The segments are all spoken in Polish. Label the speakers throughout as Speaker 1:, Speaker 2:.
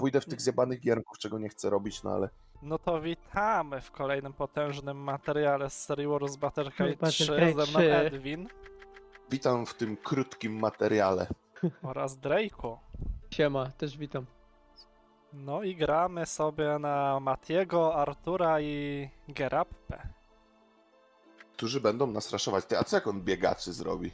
Speaker 1: pójdę w tych zjebanych gierków, czego nie chcę robić, no ale...
Speaker 2: No to witamy w kolejnym potężnym materiale z serii Warus Butterfly 3.
Speaker 3: Butterfly
Speaker 2: Ze mną
Speaker 3: 3.
Speaker 2: Edwin
Speaker 1: Witam w tym krótkim materiale.
Speaker 2: oraz Drake'u.
Speaker 3: Siema, też witam.
Speaker 2: No i gramy sobie na Matiego, Artura i Gerappę.
Speaker 1: Którzy będą nas raszować. Ty, a co jak on biegaczy zrobi?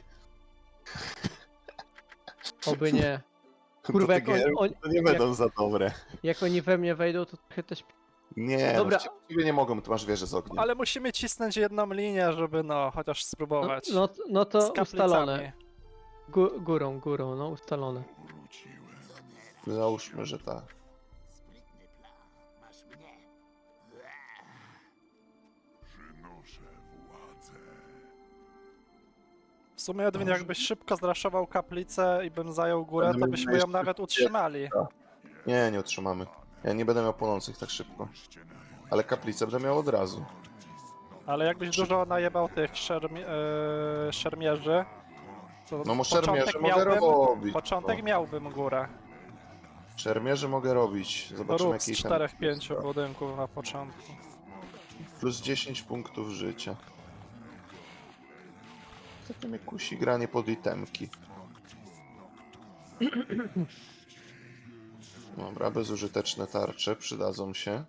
Speaker 3: Oby nie.
Speaker 1: To
Speaker 3: Kurwa,
Speaker 1: te
Speaker 3: jak
Speaker 1: gierki
Speaker 3: on,
Speaker 1: to nie będą za dobre.
Speaker 3: jak oni we mnie wejdą, to trochę też...
Speaker 1: Nie,
Speaker 3: Dobra.
Speaker 1: no w ciebie nie mogą, ty masz wieżę z ogniem.
Speaker 2: Ale musimy cisnąć jedną linię, żeby no, chociaż spróbować.
Speaker 3: No to
Speaker 2: Z kaplicami.
Speaker 3: ustalone. Górą, no ustalone.
Speaker 1: Załóżmy, że tak.
Speaker 2: W sumie Edwin, jakbyś szybko zraszował kaplicę i bym zajął górę,
Speaker 1: Będę
Speaker 2: to
Speaker 1: miał
Speaker 2: byśmy ją
Speaker 1: jeszcze
Speaker 2: nawet utrzymali.
Speaker 1: Nie, nie utrzymamy. Ja nie będę miał płonących tak szybko. Ale kaplicę będę miał od razu.
Speaker 2: Ale jakbyś dużo najebał tych szermierzy, to
Speaker 1: No
Speaker 2: początek
Speaker 1: szermierzy mogę robić.
Speaker 2: Początek
Speaker 1: no.
Speaker 2: miałbym górę.
Speaker 1: Szermierzy mogę robić. Zobaczymy
Speaker 2: Rób z
Speaker 1: jaki
Speaker 2: 4-5 budynków na początku.
Speaker 1: Plus 10 punktów życia. Takie mnie kusi granie pod itemki. Dobra, bezużyteczne tarcze przydadzą się.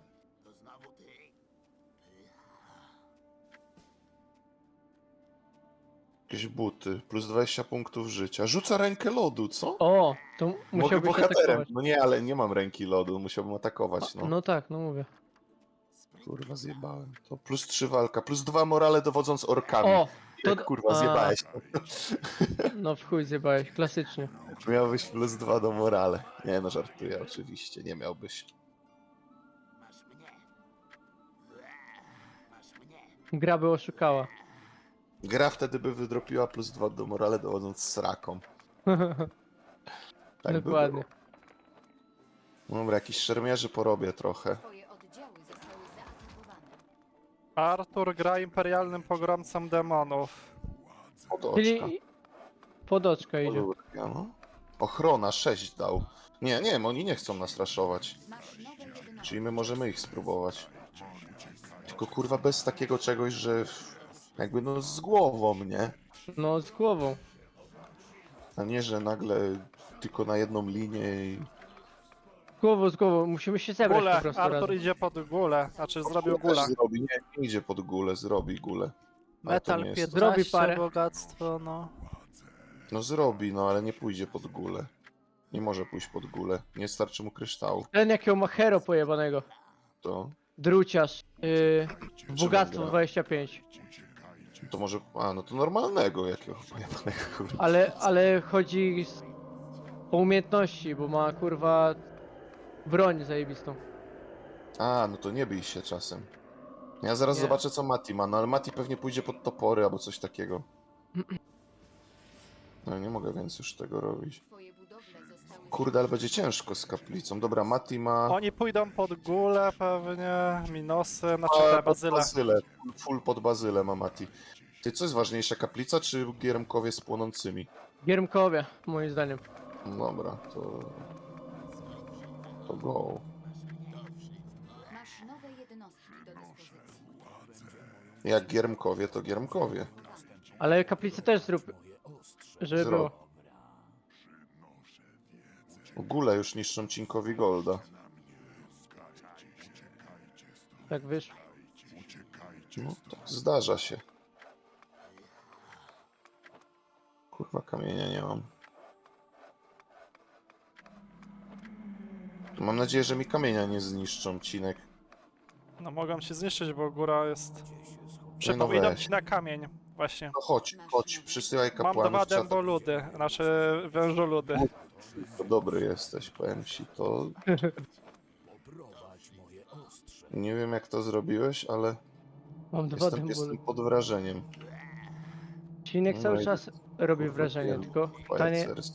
Speaker 1: Jakieś buty, plus 20 punktów życia. Rzuca rękę lodu, co?
Speaker 3: O, to
Speaker 1: Mogę
Speaker 3: musiałbyś
Speaker 1: bohaterem.
Speaker 3: atakować.
Speaker 1: No nie, ale nie mam ręki lodu, musiałbym atakować, no.
Speaker 3: No tak, no mówię.
Speaker 1: Kurwa, zjebałem. To plus 3 walka, plus 2 morale dowodząc orkami.
Speaker 3: O,
Speaker 1: Jak kurwa, zjebałeś.
Speaker 3: No w chuj zjebałeś, klasycznie.
Speaker 1: Miałbyś plus 2 do morale. Nie no, żartuję oczywiście, nie miałbyś.
Speaker 3: Gra by oszukała.
Speaker 1: Gra wtedy by wydropiła plus 2 do morale dowodząc sraką. Tak by
Speaker 3: Dokładnie.
Speaker 1: było. Dobra, jakiś szermierzy porobię trochę.
Speaker 4: Twoje oddziały zostały zaatakowane.
Speaker 2: Artur gra imperialnym pogromcą demonów.
Speaker 1: Podoczka.
Speaker 3: Czyli podoczka idzie.
Speaker 1: Podórka, no. Ochrona 6 dał. Nie, nie, oni nie chcą nas raszować.
Speaker 4: Masz nowe jednostki.
Speaker 1: Czyli my możemy ich spróbować. Tylko kurwa bez takiego czegoś, że jakby no z głową, nie?
Speaker 3: No z głową.
Speaker 1: A nie, że nagle tylko na jedną linię i...
Speaker 3: Z głową. Musimy się zebrać po
Speaker 2: Gule,
Speaker 3: prostu
Speaker 2: Artur
Speaker 3: razem.
Speaker 2: idzie pod gulę, znaczy zrobił
Speaker 1: Też
Speaker 2: gulę.
Speaker 1: Zrobi, nie idzie pod gulę, zrobi gulę. Ale to
Speaker 2: Metal
Speaker 1: nie jest-
Speaker 2: 15,
Speaker 3: Zrobi parę.
Speaker 2: bogactwo, no.
Speaker 1: No zrobi, no ale nie pójdzie pod gulę. Nie może pójść pod gulę. Nie starczy mu kryształu.
Speaker 3: Ten jakiego ma hero pojebanego.
Speaker 1: To,
Speaker 3: Druciarz. Bogactwo
Speaker 1: gra?
Speaker 3: 25.
Speaker 1: to może... A, no to normalnego jakiego pojebanego, kurwa.
Speaker 3: Ale chodzi o umiejętności, bo ma kurwa broń zajebistą.
Speaker 1: A, no to nie bij się czasem. Ja zaraz
Speaker 3: Nie.
Speaker 1: zobaczę co Mati ma, no ale Mati pewnie pójdzie pod topory albo coś takiego. No nie mogę więc już tego robić.
Speaker 4: Twoje budowle zostały
Speaker 1: Kurde, ale będzie ciężko z kaplicą. Dobra, Mati ma...
Speaker 2: Oni pójdą pod gulę pewnie, minosy, znaczy
Speaker 1: A,
Speaker 2: te
Speaker 1: pod
Speaker 2: bazyle.
Speaker 1: bazylę. Full pod bazylę ma Mati. Ty, co jest ważniejsza, kaplica czy giermkowie z płonącymi?
Speaker 3: Giermkowie, moim zdaniem.
Speaker 1: Dobra, to... To go.
Speaker 4: Masz nowe jednostki do dyspozycji.
Speaker 1: Jak giermkowie, to giermkowie.
Speaker 3: Ale kaplicę też zrób. Żeby
Speaker 1: Zrób.
Speaker 3: było.
Speaker 1: Gule już niszczą Cinkowi Golda.
Speaker 3: Tak wiesz.
Speaker 1: No tak, zdarza się. Kurwa, kamienia nie mam. Mam nadzieję, że mi kamienia nie zniszczą, Cinek.
Speaker 2: No mogą się zniszczyć, bo góra jest...
Speaker 1: no
Speaker 2: Przypominam
Speaker 1: weź.
Speaker 2: ci na kamień, właśnie.
Speaker 1: No chodź, chodź, przysyłaj
Speaker 2: Mam
Speaker 1: kapłanów.
Speaker 2: dwa
Speaker 1: trzeba-
Speaker 2: dęboludy, znaczy wężoludy.
Speaker 1: To dobry jesteś, powiem ci, to... Nie wiem jak to zrobiła,ś ale
Speaker 3: Mam dwa
Speaker 1: jestem
Speaker 3: dębuly.
Speaker 1: pod wrażeniem.
Speaker 3: Cinek
Speaker 1: No
Speaker 3: cały
Speaker 1: i-
Speaker 3: czas robi
Speaker 1: Kurwa,
Speaker 3: wrażenie,
Speaker 1: wiem,
Speaker 3: tylko
Speaker 1: Pajacers.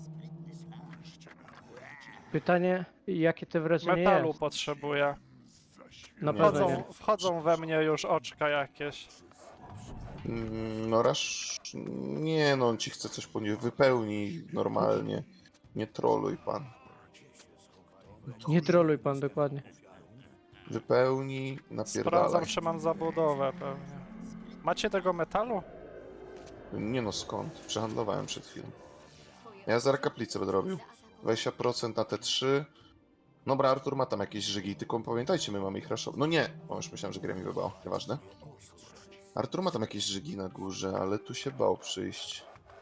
Speaker 3: pytanie jakie to wrażenie
Speaker 2: Metalu
Speaker 3: jest.
Speaker 2: potrzebuję.
Speaker 3: Na
Speaker 1: Nie
Speaker 3: pewno nie.
Speaker 2: Wchodzą we mnie już oczka jakieś.
Speaker 1: No rasz... Nie no, on ci chce coś wypełnij normalnie. Nie troluj pan.
Speaker 3: Nie troluj pan dokładnie.
Speaker 1: Wypełnij,
Speaker 2: Sprawdzam,
Speaker 1: napierdalaj.
Speaker 2: czy mam zabudowę pewnie. Macie tego metalu?
Speaker 1: Nie no, skąd? Przehandlowałem przed chwilą.
Speaker 4: Twoje
Speaker 1: Ja zaraz kaplicę będę robił.
Speaker 4: zaatakowane.
Speaker 1: 20% na te 3. Dobra, Artur ma tam jakieś żygi, tylko pamiętajcie, my mamy ich raszować. No nie! O, już myślałem, że gra mi wybało. Nieważne. Artur ma tam jakieś żygi na górze, ale tu się bał przyjść.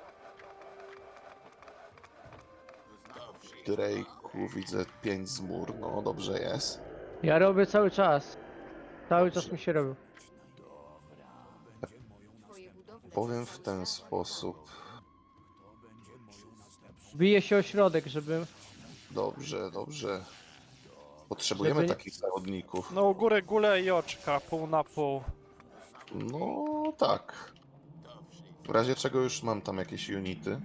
Speaker 1: Drake'u widzę 5 z mur, no dobrze jest.
Speaker 3: Ja robię cały czas. Cały czas mi się robił.
Speaker 4: Twoje budowle
Speaker 1: Powiem w
Speaker 4: zostały
Speaker 1: ten
Speaker 4: zaatakowane.
Speaker 1: sposób.
Speaker 3: Bije się o środek, żeby...
Speaker 1: Dobrze, dobrze. Potrzebujemy
Speaker 3: Żeby nie-
Speaker 1: takich zawodników.
Speaker 2: No u góry gule i oczka, pół na pół.
Speaker 1: No tak. W razie czego już mam tam jakieś unity.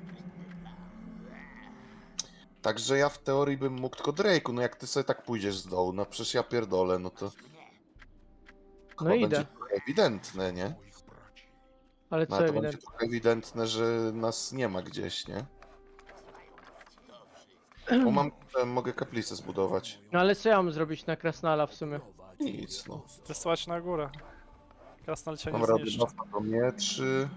Speaker 1: Także ja w teorii bym mógł, tylko Drake'u, no jak ty sobie tak pójdziesz z dołu, no przecież ja pierdolę, no to... Chyba
Speaker 3: idę.
Speaker 1: będzie trochę ewidentne, nie?
Speaker 3: Ale
Speaker 1: No
Speaker 3: co
Speaker 1: ale to będzie
Speaker 3: ewidentnie.
Speaker 1: trochę ewidentne, że nas nie ma gdzieś, nie? Bo mam, mogę kaplicę zbudować.
Speaker 3: No ale co ja mam zrobić na Krasnala w sumie?
Speaker 1: Nic, no.
Speaker 2: Wysłać na górę. Krasnal cię nie
Speaker 1: Mam radę
Speaker 2: zniszczy.
Speaker 1: do mieczy.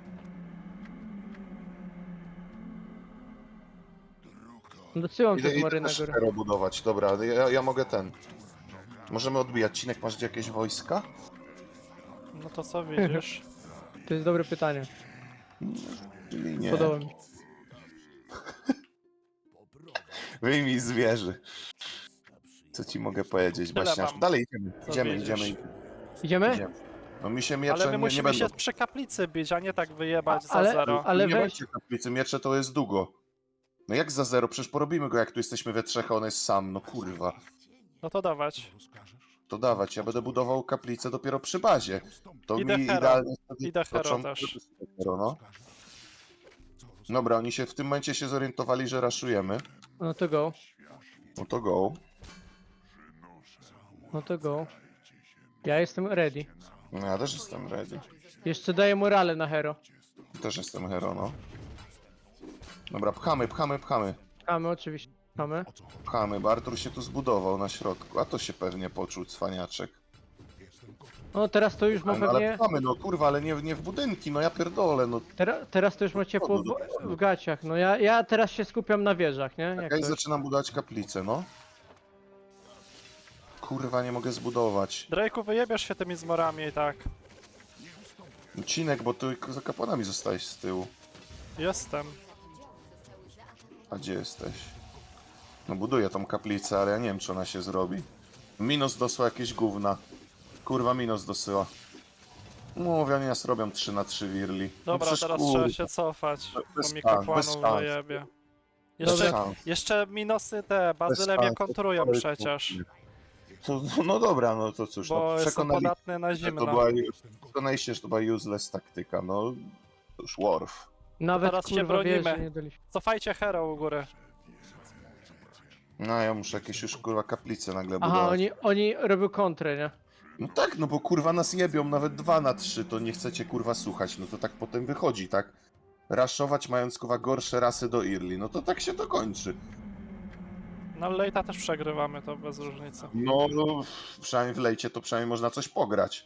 Speaker 3: Dosyłam
Speaker 1: Idę,
Speaker 3: te
Speaker 1: idę
Speaker 3: chmury na
Speaker 1: też
Speaker 3: górę.
Speaker 1: hero budować, dobra, ja mogę ten. Możemy odbijać. Cinek, masz gdzie jakieś wojska?
Speaker 2: No to co widzisz?
Speaker 3: To jest dobre pytanie.
Speaker 1: Czyli nie.
Speaker 3: Podoba mi się.
Speaker 1: Wyjmij z wieży. Co ci mogę powiedzieć,
Speaker 2: Tyle
Speaker 1: Baśniarz?
Speaker 2: mam.
Speaker 1: Dalej idziemy,
Speaker 2: Co
Speaker 1: idziemy,
Speaker 2: widzisz?
Speaker 1: idziemy,
Speaker 3: Idziemy?
Speaker 1: idziemy. No mi się miecze
Speaker 2: Ale my
Speaker 1: nie
Speaker 2: musimy
Speaker 1: będą.
Speaker 2: się przy kaplicy bić, a nie tak wyjebać za
Speaker 3: Ale-
Speaker 2: zero.
Speaker 3: ale
Speaker 1: nie
Speaker 3: weź-
Speaker 1: będzie kaplicy, miecze to jest długo. No jak za zero? Przecież porobimy go, jak tu jesteśmy we trzech, a on jest sam, no kurwa.
Speaker 2: No to dawać.
Speaker 1: To dawać, ja będę budował kaplicę dopiero przy bazie. To
Speaker 2: Idę
Speaker 1: mi
Speaker 2: hero.
Speaker 1: idealnie wtedy
Speaker 2: Idę hero
Speaker 1: początek-
Speaker 2: też.
Speaker 1: Hero, no. Dobra, oni się w tym momencie się zorientowali, że raszujemy.
Speaker 3: No to go.
Speaker 1: No to go.
Speaker 3: No to go. Ja jestem ready.
Speaker 1: No ja też jestem ready.
Speaker 3: Jeszcze daję morale na hero.
Speaker 1: Też jestem hero, no. Dobra, pchamy, pchamy, pchamy.
Speaker 3: Mamy oczywiście. Mamy.
Speaker 1: Pchamy, bo Artur się tu zbudował na środku, a to się pewnie poczuł, cwaniaczek.
Speaker 3: No teraz to już ma
Speaker 1: No, ale
Speaker 3: pewnie...
Speaker 1: pchamy, no kurwa, ale nie w budynki, no ja pierdolę, no.
Speaker 3: Teraz to już ma ciepło w gaciach. No ja teraz się skupiam na wieżach, nie? Jak
Speaker 1: Ja i
Speaker 3: to?
Speaker 1: zaczynam budować kaplicę, no. Kurwa, nie mogę zbudować.
Speaker 2: Drake'u, wyjebiesz się tymi zmorami i tak.
Speaker 1: Cinek, bo ty za kapłanami zostałeś z tyłu.
Speaker 2: Jestem.
Speaker 4: Oddziały zostały zaatakowane.
Speaker 1: A gdzie jesteś? No buduję tą kaplicę, ale ja nie wiem, czy ona się zrobi. Minos dosła jakieś gówna. Kurwa, Minos dosyła. Mówię, oni nas robią 3 na 3 wirli.
Speaker 2: Dobra,
Speaker 1: przecież
Speaker 2: teraz
Speaker 1: kurwa,
Speaker 2: trzeba się cofać,
Speaker 1: Bez
Speaker 2: bo mi
Speaker 1: szans,
Speaker 2: kapłanów
Speaker 1: bez szans.
Speaker 2: wyjebie.
Speaker 1: bez
Speaker 2: Jeszcze,
Speaker 1: szans.
Speaker 2: jeszcze minusy te, bazyle
Speaker 1: Bez
Speaker 2: mnie
Speaker 1: szans,
Speaker 2: kontrują
Speaker 1: to-
Speaker 2: przecież,
Speaker 1: To, no dobra, no to cóż,
Speaker 2: bo
Speaker 1: no,
Speaker 2: jestem
Speaker 1: przekonali,
Speaker 2: podatny na
Speaker 1: że to
Speaker 2: zimno.
Speaker 1: przekonaliście, że to była useless taktyka, no. To już Worf.
Speaker 3: Nawet
Speaker 2: teraz się
Speaker 3: kurwa
Speaker 2: bronimy.
Speaker 3: wieży nie daliśmy.
Speaker 2: Cofajcie hero u góry.
Speaker 1: No ja muszę jakieś już kurwa kaplice nagle
Speaker 3: Aha,
Speaker 1: budować.
Speaker 3: oni robią kontrę, nie?
Speaker 1: No tak, no bo kurwa nas jebią nawet 2 na 3, to nie chcecie kurwa słuchać, no to tak potem wychodzi, tak? Raszować mając kurwa gorsze rasy do Irli, no to tak się to kończy.
Speaker 2: No lejta też przegrywamy, to bez różnicy.
Speaker 1: No, przynajmniej w lejcie to przynajmniej można coś pograć.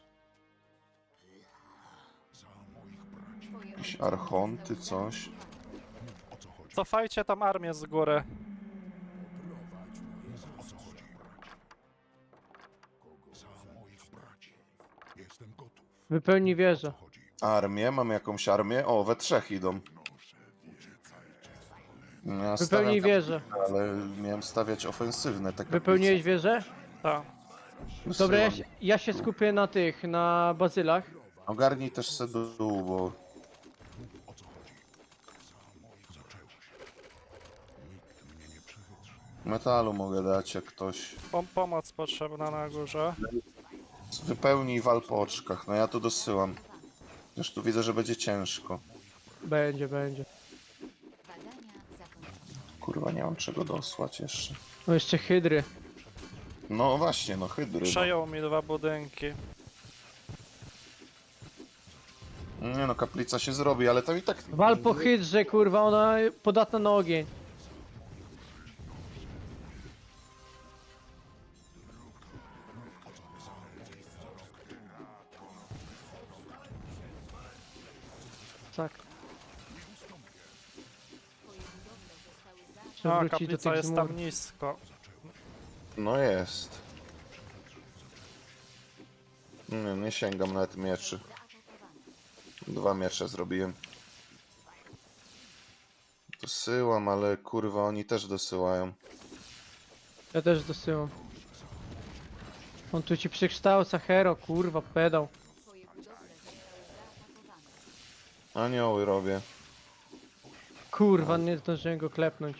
Speaker 4: Twoje
Speaker 1: Jakieś
Speaker 4: oddziały
Speaker 1: archonty,
Speaker 4: zostały
Speaker 1: coś.
Speaker 2: Cofajcie tam armię z góry.
Speaker 3: Wypełni wieżę.
Speaker 1: Armię, mamy jakąś armię? O, we trzech idą. No, ja
Speaker 3: Wypełnij
Speaker 1: stawiam
Speaker 3: wieżę.
Speaker 1: kaplicę, ale miałem stawiać ofensywne te kaplice.
Speaker 3: Wypełniłeś wieżę?
Speaker 2: Tak.
Speaker 3: Dobra,
Speaker 1: Wysyłam.
Speaker 3: ja się skupię na tych, na bazylach.
Speaker 1: Ogarnij też se dół, bo... Metalu mogę dać, jak ktoś...
Speaker 2: Pomoc potrzebna na górze.
Speaker 1: Wypełnij wal po oczkach, no ja tu dosyłam. Już tu widzę, że będzie ciężko.
Speaker 3: Będzie.
Speaker 4: Badania zakończone.
Speaker 1: Kurwa, nie mam czego dosłać jeszcze.
Speaker 3: No jeszcze hydry.
Speaker 1: No właśnie, no hydry. No.
Speaker 2: Przejął mi 2 budynki.
Speaker 1: Nie no, kaplica się zrobi, ale tam i tak...
Speaker 3: Wal po hydrze, kurwa, ona podatna na ogień. Tak.
Speaker 4: Twoje budowle zostały zaatakowane.
Speaker 3: Trzeba
Speaker 2: No,
Speaker 3: wrócić do
Speaker 2: kaplica
Speaker 3: tych
Speaker 2: jest
Speaker 3: zmur.
Speaker 2: tam nisko.
Speaker 1: No jest. Nie sięgam nawet mieczy.
Speaker 4: Zaatakowane.
Speaker 1: 2 miecze zrobiłem. Dosyłam, ale kurwa oni też dosyłają.
Speaker 3: Ja też dosyłam. On tu ci przekształca hero, kurwa, pedał.
Speaker 4: Twoje budowle zostały zaatakowane.
Speaker 1: Anioły robię.
Speaker 3: Kurwa, nie zdążyłem go klepnąć.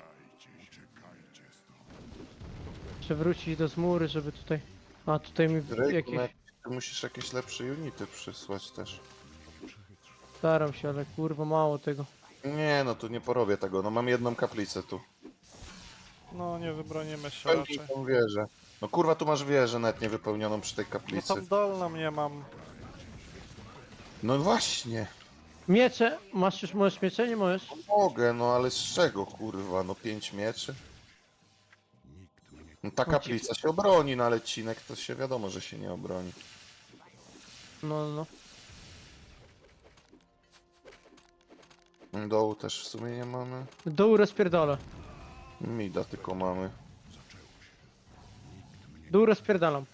Speaker 3: Przewrócić do zmury, żeby tutaj... A, tutaj mi
Speaker 1: Drake,
Speaker 3: jakieś...
Speaker 1: ty musisz jakieś lepsze unity przysłać też.
Speaker 3: Staram się, ale kurwa, mało tego.
Speaker 1: Nie, no tu nie porobię tego. No mam jedną kaplicę tu.
Speaker 2: No, nie wybronimy się
Speaker 1: Pełnij
Speaker 2: raczej.
Speaker 1: tą wieżę. No kurwa, tu masz wieżę nawet niewypełnioną przy tej
Speaker 2: No
Speaker 1: kaplicy.
Speaker 2: tam dolną nie mam.
Speaker 1: No właśnie.
Speaker 3: Miecze! Masz już, możesz miecze? Nie możesz?
Speaker 1: Mogę, no ale z czego kurwa? No 5 mieczy? No ta kaplica się obroni, no ale cinek to się wiadomo, że się nie obroni.
Speaker 3: No, no.
Speaker 1: Dołu też w sumie nie mamy.
Speaker 3: Dół rozpierdolę.
Speaker 1: Mida tylko mamy.
Speaker 3: Dół rozpierdalam.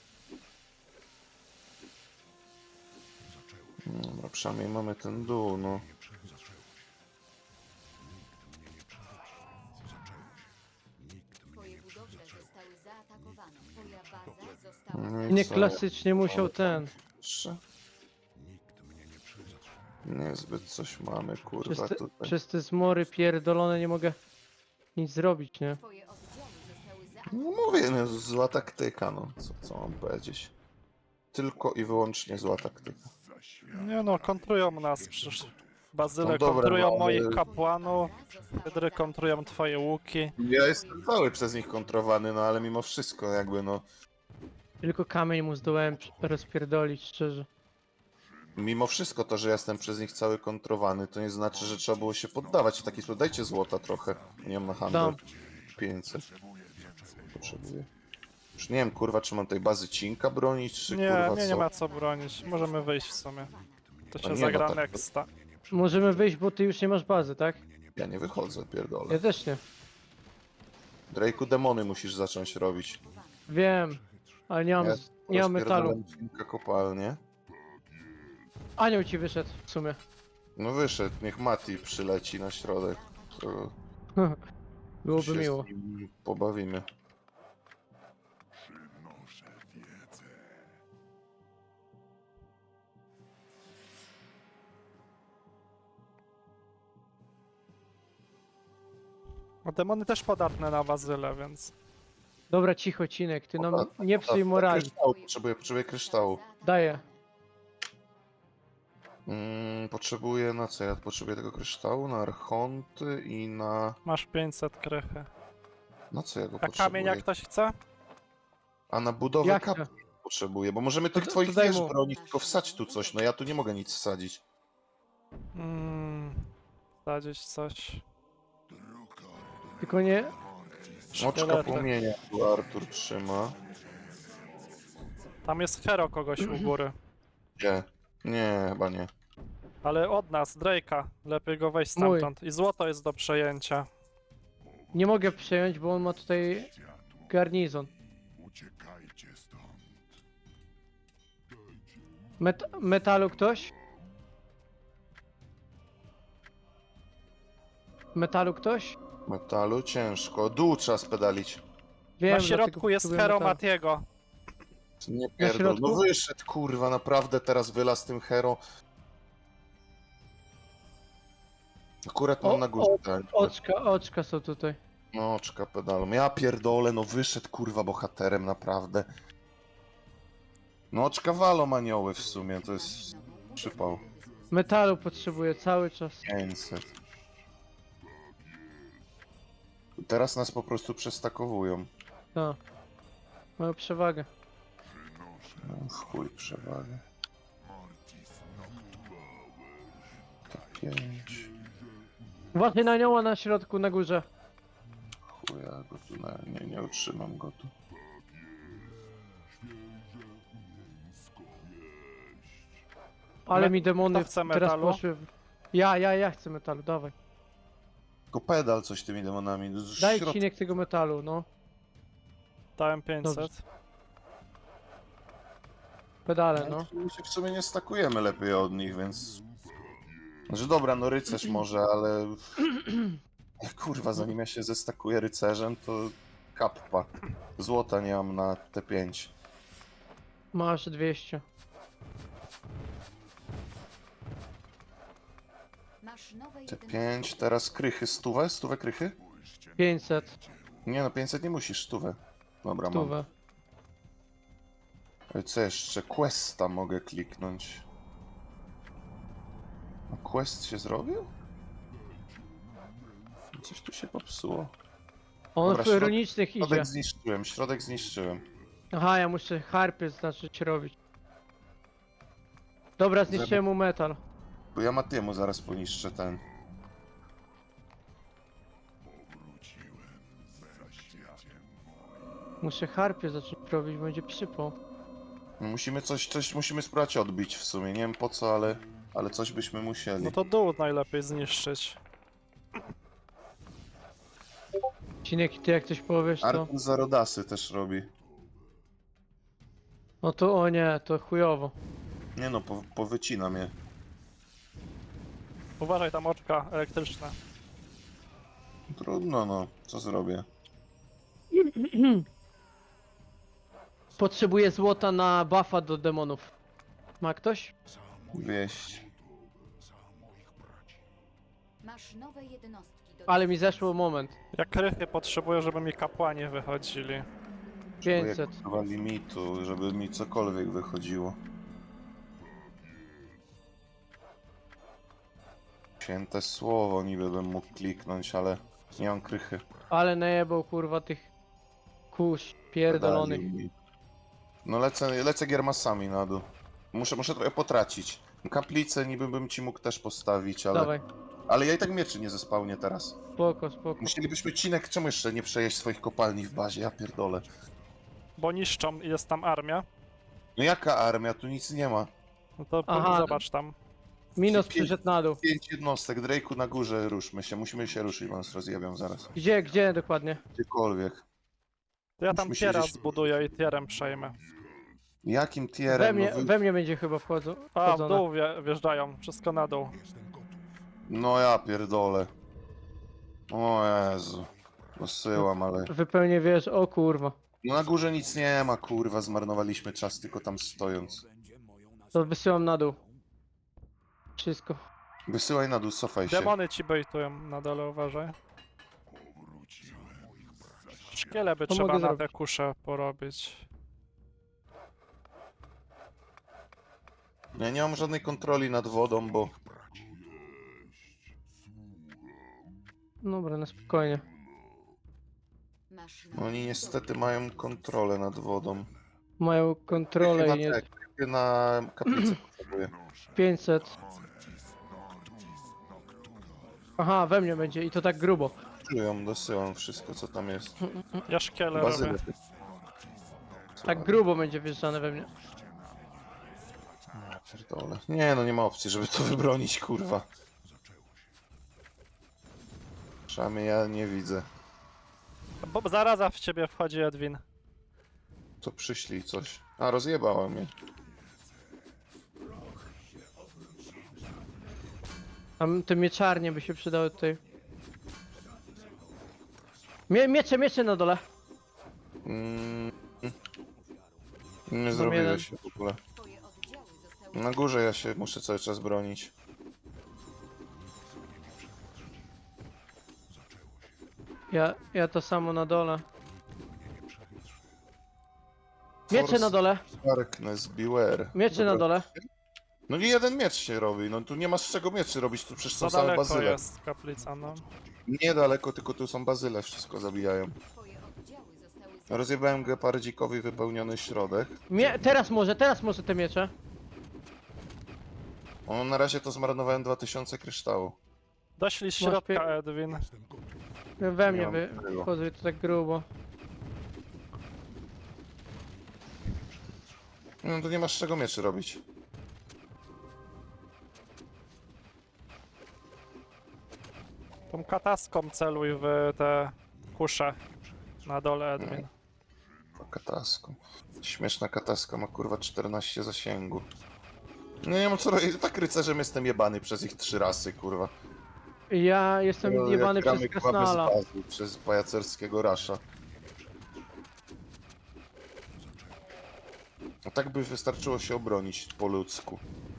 Speaker 1: Dobra, przynajmniej mamy ten dół, no.
Speaker 4: Twoje budowle zostały zaatakowane. Twoja baza została
Speaker 1: No i
Speaker 3: Nie
Speaker 1: co?
Speaker 3: klasycznie musiał ten.
Speaker 1: Jeszcze? Niezbyt coś mamy,
Speaker 3: Przez
Speaker 1: kurwa,
Speaker 3: te,
Speaker 1: tutaj.
Speaker 3: przez te zmory pierdolone nie mogę nic zrobić, nie?
Speaker 4: Twoje oddziały zostały zaatakowane.
Speaker 1: No mówię, no, zła taktyka, no. Co mam powiedzieć? Tylko i wyłącznie zła taktyka.
Speaker 2: Nie no, kontrują nas przecież. Bazyle
Speaker 1: No dobra,
Speaker 2: kontrują
Speaker 1: no, ale-
Speaker 2: moich kapłanów, Hydry kontrują twoje łuki.
Speaker 1: Ja jestem cały przez nich kontrowany, no ale mimo wszystko jakby, no.
Speaker 3: Tylko kamień mu zdołałem rozpierdolić, szczerze.
Speaker 1: Mimo wszystko to, że jestem przez nich cały kontrowany, to nie znaczy, że trzeba było się poddawać w taki sposób. Dajcie złota trochę. Nie mam na handel.
Speaker 3: Dam.
Speaker 1: 500. Potrzebuję. Już nie wiem, kurwa, czy mam tej bazy cinka bronić, czy
Speaker 2: Nie,
Speaker 1: kurwa
Speaker 2: nie
Speaker 1: co.
Speaker 2: ma co bronić. Możemy wyjść w sumie. To
Speaker 1: A
Speaker 2: się
Speaker 1: nie,
Speaker 2: zagra
Speaker 1: no tak.
Speaker 2: nexta.
Speaker 3: Możemy wyjść, bo ty już nie masz bazy, tak?
Speaker 1: Ja nie wychodzę, pierdolę.
Speaker 3: Ja też nie.
Speaker 1: Drake'u demony musisz zacząć robić.
Speaker 3: Wiem, ale nie mam,
Speaker 1: Ja
Speaker 3: nie mam metalu.
Speaker 1: rozpierdolam cinka kopalnie.
Speaker 3: Anioł ci wyszedł w sumie.
Speaker 1: No wyszedł, niech Mati przyleci na środek. To
Speaker 3: Byłoby
Speaker 1: się
Speaker 3: miło.
Speaker 1: z nim pobawimy.
Speaker 2: No demony też podatne na bazyle, więc...
Speaker 3: Dobra, cicho, Cinek, ty nam
Speaker 1: Podatne,
Speaker 3: nie psuj
Speaker 1: podatne.
Speaker 3: morali.
Speaker 1: Kryształu, potrzebuję kryształu.
Speaker 3: Daję.
Speaker 1: Potrzebuję na co? Ja potrzebuję tego kryształu na archonty i na...
Speaker 2: Masz 500 krychy.
Speaker 1: Na co ja go
Speaker 2: A
Speaker 1: potrzebuję?
Speaker 2: kamień jak ktoś chce?
Speaker 1: A na budowę
Speaker 3: Jak
Speaker 1: kapli
Speaker 3: to?
Speaker 1: potrzebuję, bo możemy tych
Speaker 3: to
Speaker 1: twoich
Speaker 3: daj
Speaker 1: wież
Speaker 3: mu.
Speaker 1: bronić, tylko wsadź tu coś. No ja tu nie mogę nic wsadzić.
Speaker 2: Sadzić coś.
Speaker 3: Tylko nie...
Speaker 1: Oczka
Speaker 2: Szkielety.
Speaker 1: płomienia tu Artur trzyma.
Speaker 2: Tam jest hero kogoś u góry.
Speaker 1: Gdzie? Nie, chyba nie.
Speaker 2: Ale od nas, Drake'a. Lepiej go wejść
Speaker 3: Mój.
Speaker 2: stamtąd. I złoto jest do przejęcia.
Speaker 3: Nie mogę przejąć, bo on ma tutaj garnizon. Metalu ktoś? Metalu ktoś?
Speaker 1: Metalu ciężko. Dół trzeba spedalić.
Speaker 3: Wiem,
Speaker 2: Na
Speaker 3: dlatego
Speaker 2: środku jest
Speaker 3: potrzebuję
Speaker 2: hero
Speaker 3: metalu.
Speaker 2: Matiego.
Speaker 1: Nie pierdol. No
Speaker 3: środku?
Speaker 1: wyszedł, kurwa, naprawdę teraz wylazł tym hero. Akurat mam
Speaker 3: O,
Speaker 1: na górze. tak.
Speaker 3: Oczka są tutaj.
Speaker 1: No, oczka pedalą. Ja pierdolę, no wyszedł, kurwa, bohaterem, naprawdę. No, oczka walą anioły w sumie, to jest przypał.
Speaker 3: Metalu potrzebuję cały czas.
Speaker 1: 500. Teraz nas po prostu przestakowują.
Speaker 3: No. Mają przewagę.
Speaker 1: No, w chuj przewagę. To 5.
Speaker 3: Uważaj na anioła na środku, na górze.
Speaker 1: Chuja, go tu nie utrzymam go tu.
Speaker 3: Ale
Speaker 2: Me-
Speaker 3: mi demony
Speaker 2: kto chce
Speaker 3: teraz
Speaker 2: metalu?
Speaker 3: poszły. Ja chcę metalu, dawaj.
Speaker 1: Tylko pedal coś tymi demonami.
Speaker 3: Daj
Speaker 1: Środ-
Speaker 3: cinek tego metalu, no.
Speaker 2: Dałem 500.
Speaker 3: Dobrze. Pedale, no.
Speaker 1: My się w sumie nie stakujemy lepiej od nich, więc... Znaczy dobra, no rycerz może, ale... Kurwa, zanim ja się zestakuję rycerzem, to... Kappa. Złota nie mam na T5.
Speaker 3: Masz 200.
Speaker 4: Masz nowe
Speaker 1: T5, teraz krychy. Stówę? Stówę krychy?
Speaker 3: 500.
Speaker 1: Nie no, 500 nie musisz, stówę. Dobra, mam.
Speaker 3: Stówę.
Speaker 1: Co jeszcze? Questa mogę kliknąć. A quest się zrobił? Coś tu się popsuło.
Speaker 3: On
Speaker 1: Dobra,
Speaker 3: w ironicznych idzie.
Speaker 1: Środek zniszczyłem.
Speaker 3: Aha, ja muszę harpy zacząć robić. Dobra, zniszczyłem mu metal.
Speaker 1: Bo ja Matiemu zaraz poniszczę ten.
Speaker 3: Muszę harpy zacząć robić, będzie przypał.
Speaker 1: Musimy coś musimy spróbować odbić w sumie. Nie wiem po co, ale coś byśmy musieli.
Speaker 2: No to dół najlepiej zniszczyć.
Speaker 3: Cinek, ty jak coś powiesz, to...
Speaker 1: Artur Zarodasy też robi.
Speaker 3: No to o nie, to chujowo.
Speaker 1: Nie no, powycina mnie.
Speaker 2: Uważaj, tam oczka elektryczne.
Speaker 1: Trudno no, co zrobię?
Speaker 3: Potrzebuję złota na buffa do demonów. Ma ktoś?
Speaker 1: Wieść.
Speaker 4: Masz nowe jednostki do
Speaker 3: Ale mi zeszło moment.
Speaker 2: Ja krychy potrzebuję, żeby mi kapłani wychodzili.
Speaker 3: 500.
Speaker 1: Chyba limitu, żeby mi cokolwiek wychodziło. Święte słowo niby bym mógł kliknąć, ale nie mam krychy.
Speaker 3: Ale najebał kurwa tych kurz pierdolonych.
Speaker 1: Dali mi. No lecę giermasami na dół. Muszę trochę potracić. Kaplicę niby bym ci mógł też postawić, ale...
Speaker 3: Dawaj,
Speaker 1: Ale ja i tak mieczy nie zespałnię teraz.
Speaker 3: spoko.
Speaker 1: Musielibyśmy Cinek, czemu jeszcze nie przejeść swoich kopalni w bazie? Ja pierdolę.
Speaker 2: Bo niszczą i jest tam armia.
Speaker 1: No jaka armia? Tu nic nie ma.
Speaker 2: No to
Speaker 3: Aha.
Speaker 2: zobacz tam.
Speaker 3: Minos przyszedł na dół.
Speaker 1: 5 jednostek. Drake'u na górze, ruszmy się. Musimy się ruszyć, bo nas rozjebią zaraz.
Speaker 3: Gdzie dokładnie?
Speaker 1: Gdziekolwiek.
Speaker 2: To ja tam
Speaker 1: Musimy
Speaker 2: tiera
Speaker 1: siedzieć-
Speaker 2: zbuduję i tierem przejmę.
Speaker 1: Jakim tierem?
Speaker 3: We mnie będzie chyba
Speaker 2: A, w
Speaker 3: wchodzone.
Speaker 2: dół wjeżdżają. Wszystko na dół.
Speaker 1: No ja pierdolę. O Jezu. Posyłam, ale...
Speaker 3: Wypełnię wiesz, o kurwa.
Speaker 1: No na górze nic nie ma, kurwa. Zmarnowaliśmy czas tylko tam stojąc.
Speaker 3: To wysyłam na dół. Wszystko.
Speaker 1: Wysyłaj na dół, cofaj się.
Speaker 2: Demony ci bejtują na dole, uważaj. Szkiele by
Speaker 3: To
Speaker 2: trzeba
Speaker 3: mogę
Speaker 2: na te
Speaker 3: zrobić.
Speaker 2: kusze porobić.
Speaker 1: Ja nie mam żadnej kontroli nad wodą, bo...
Speaker 3: Dobra, na spokojnie.
Speaker 4: Masz nowe
Speaker 1: Oni niestety mają kontrolę nad wodą.
Speaker 3: Mają kontrolę
Speaker 1: Chyba
Speaker 3: i nie...
Speaker 1: tak, na kaplicę potrzebuję.
Speaker 3: 500. Aha, we mnie będzie i to tak grubo.
Speaker 1: Czują, dosyłam wszystko co tam jest.
Speaker 2: Ja szkiele
Speaker 1: Bazylę.
Speaker 2: robię.
Speaker 3: Tak grubo będzie wjeżdżane we mnie.
Speaker 1: Ja pierdolę. Nie no, nie ma opcji, żeby to wybronić, kurwa. Przynajmniej ja nie widzę.
Speaker 2: Bo zaraza w ciebie wchodzi, Edwin.
Speaker 1: To przyślij coś. A, rozjebała mnie.
Speaker 3: Tam te mieczarnie by się przydały tutaj. Miecze na dole.
Speaker 1: Mm. Nie zrobiłeś się w ogóle.
Speaker 4: Twoje oddziały zostały
Speaker 1: Na górze ja się muszę cały czas bronić.
Speaker 3: Ja to samo na dole. Miecze na dole.
Speaker 1: Darkness, beware.
Speaker 3: Miecze na
Speaker 1: Dobra.
Speaker 3: dole.
Speaker 1: No nie jeden miecz się robi, no tu nie ma z czego mieczy robić, tu przecież są
Speaker 2: Za
Speaker 1: same
Speaker 2: daleko
Speaker 1: bazyle.
Speaker 2: jest kaplica, no.
Speaker 1: Niedaleko, tylko tu są bazyle, wszystko zabijają.
Speaker 4: Twoje oddziały zostały
Speaker 1: Rozjebałem gepardzikowi wypełniony środek.
Speaker 3: Teraz może te miecze.
Speaker 1: O, na razie to zmarnowałem 2000 kryształu.
Speaker 2: Doślij z
Speaker 3: Masz
Speaker 2: środka, Edwin.
Speaker 3: We mnie
Speaker 1: mam tego.
Speaker 3: wchodzą i to tak grubo.
Speaker 1: No tu nie masz z czego mieczy robić.
Speaker 2: kataską celuj w te kusze na dole, Edwin.
Speaker 1: Kataską. Śmieszna kataska ma kurwa 14 zasięgu. No nie mam co robić, tak rycerzem jestem jebany przez ich 3 rasy, kurwa.
Speaker 3: Ja jestem
Speaker 1: No,
Speaker 3: jebany
Speaker 1: jak gramy,
Speaker 3: przez
Speaker 1: kurwa, bez
Speaker 3: Krasnala.
Speaker 1: bazy, przez pajacerskiego rasza. A tak by wystarczyło się obronić po ludzku.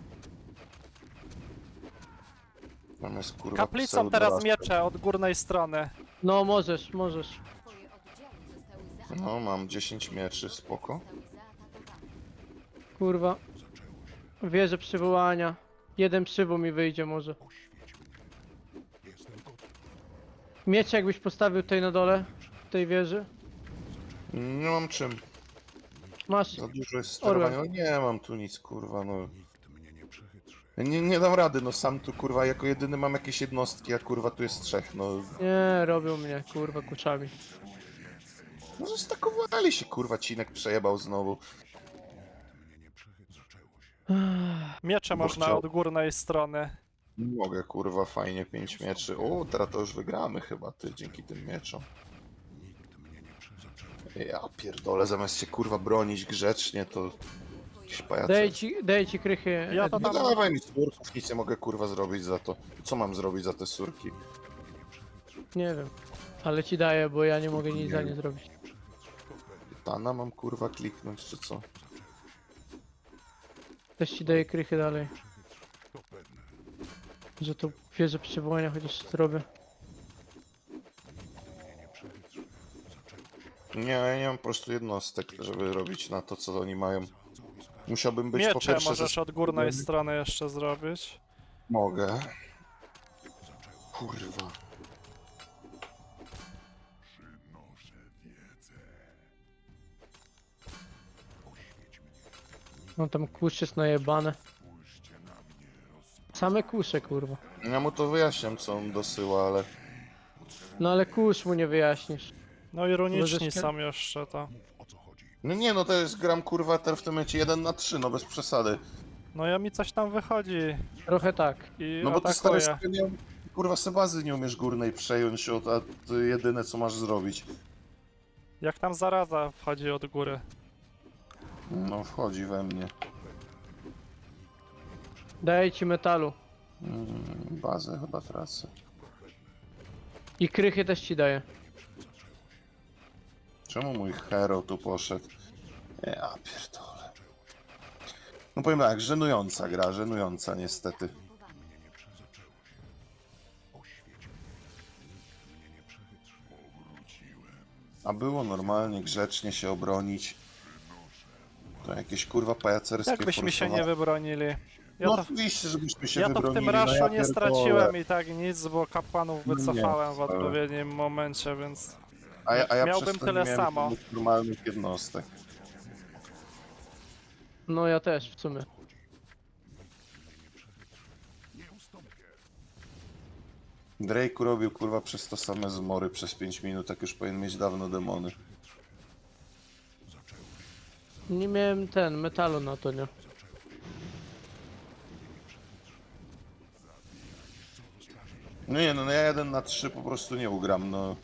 Speaker 1: Natomiast kurwa
Speaker 2: Kaplicą
Speaker 1: pseudo
Speaker 2: teraz
Speaker 1: rasza.
Speaker 2: miecze od górnej strony.
Speaker 3: No możesz.
Speaker 4: Twoje oddziały zostały zaatakowane.
Speaker 1: No mam 10 mieczy, spoko.
Speaker 4: Zostały zaatakowane.
Speaker 3: Kurwa. Wieżę przywołania. Jeden przywoł mi wyjdzie może. Miecz jakbyś postawił tutaj na dole, w tej wieży.
Speaker 1: Nie mam czym.
Speaker 3: Masz.
Speaker 1: Za dużo jest sterowania. No nie mam tu nic, kurwa, no. Nie dam rady, no sam tu kurwa jako jedyny mam jakieś jednostki, a kurwa tu jest 3, no.
Speaker 3: Nie, robią mnie, kurwa, kuczami.
Speaker 1: No zastakowali się, kurwa, Cinek przejebał znowu.
Speaker 2: Miecze
Speaker 1: Bo
Speaker 2: można
Speaker 1: chciał.
Speaker 2: od górnej strony.
Speaker 1: Nie mogę, kurwa, fajnie 5 mieczy. O, teraz to już wygramy chyba, ty, dzięki tym mieczom. Ja pierdolę, zamiast się kurwa bronić grzecznie, to jakiś pajacer.
Speaker 3: Daję ci krychy.
Speaker 2: Ja to
Speaker 1: No
Speaker 2: tam-
Speaker 1: dawaj mi surków, nic nie mogę kurwa zrobić za to. Co mam zrobić za te surki?
Speaker 3: Nie wiem. Ale ci daję, bo ja nie mogę nic za nie zrobić.
Speaker 1: Tana mam kurwa kliknąć, czy co?
Speaker 3: Też ci daję krychy dalej. Że to wieżę przywołania chociaż zrobię.
Speaker 1: Nie, ja nie mam po prostu jednostek, żeby robić na to, co oni mają. Musiałbym być po
Speaker 2: Miecze
Speaker 1: pierwsze...
Speaker 2: możesz od górnej strony jeszcze zrobić.
Speaker 1: Mogę. Kurwa.
Speaker 3: No tam kurz jest najebane. Same kusze, kurwa.
Speaker 1: Ja mu to wyjaśniam, co on dosyła, ale...
Speaker 3: No ale kurz mu nie wyjaśnisz.
Speaker 2: No i runiczni
Speaker 3: Możesz-
Speaker 2: są jeszcze to.
Speaker 1: No nie, no to jest gram kurwa teraz w tym momencie 1 na 3, no bez przesady.
Speaker 2: No ja mi coś tam wychodzi
Speaker 3: Trochę tak.
Speaker 2: i
Speaker 1: No bo ty stary
Speaker 2: atakuje.
Speaker 1: sobie nie... Kurwa sebazy nie umiesz górnej przejąć, a to jedyne co masz zrobić.
Speaker 2: Jak tam zaraza wchodzi od góry.
Speaker 1: No wchodzi we mnie.
Speaker 3: Daję ci metalu.
Speaker 1: Bazę chyba tracę.
Speaker 3: I krychy też ci daję.
Speaker 1: Czemu mój hero tu poszedł? Ja pierdolę. No powiem tak, żenująca gra, żenująca niestety. A było normalnie, grzecznie się obronić. To jakieś kurwa pajacerskie
Speaker 2: Jakbyśmy się nie
Speaker 1: forsowanie.
Speaker 2: wybronili. Ja
Speaker 1: No
Speaker 2: to,
Speaker 1: oczywiście, żebyśmy się
Speaker 2: ja to w
Speaker 1: wybronili.
Speaker 2: tym
Speaker 1: no
Speaker 2: raszu
Speaker 1: ja
Speaker 2: nie
Speaker 1: pierdolę.
Speaker 2: straciłem i tak nic, bo kapłanów
Speaker 1: No nie,
Speaker 2: wycofałem w
Speaker 1: wcale.
Speaker 2: odpowiednim momencie, więc...
Speaker 1: A ja
Speaker 2: Miałbym
Speaker 1: przez to
Speaker 2: tyle
Speaker 1: nie miałem
Speaker 2: samo.
Speaker 1: żadnych normalnych jednostek.
Speaker 3: No ja też w sumie.
Speaker 1: Drake robił kurwa przez to same zmory przez 5 minut, tak już powinien mieć dawno demony.
Speaker 3: Nie miałem metalu na to, nie?
Speaker 1: No nie, no ja 1 na 3 po prostu nie ugram, no.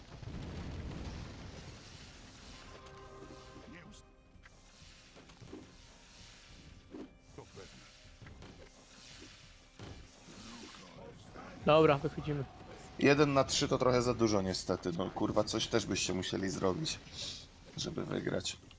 Speaker 3: Dobra, wychodzimy.
Speaker 1: 1 na 3 to trochę za dużo niestety, no kurwa coś też byście musieli zrobić, żeby wygrać.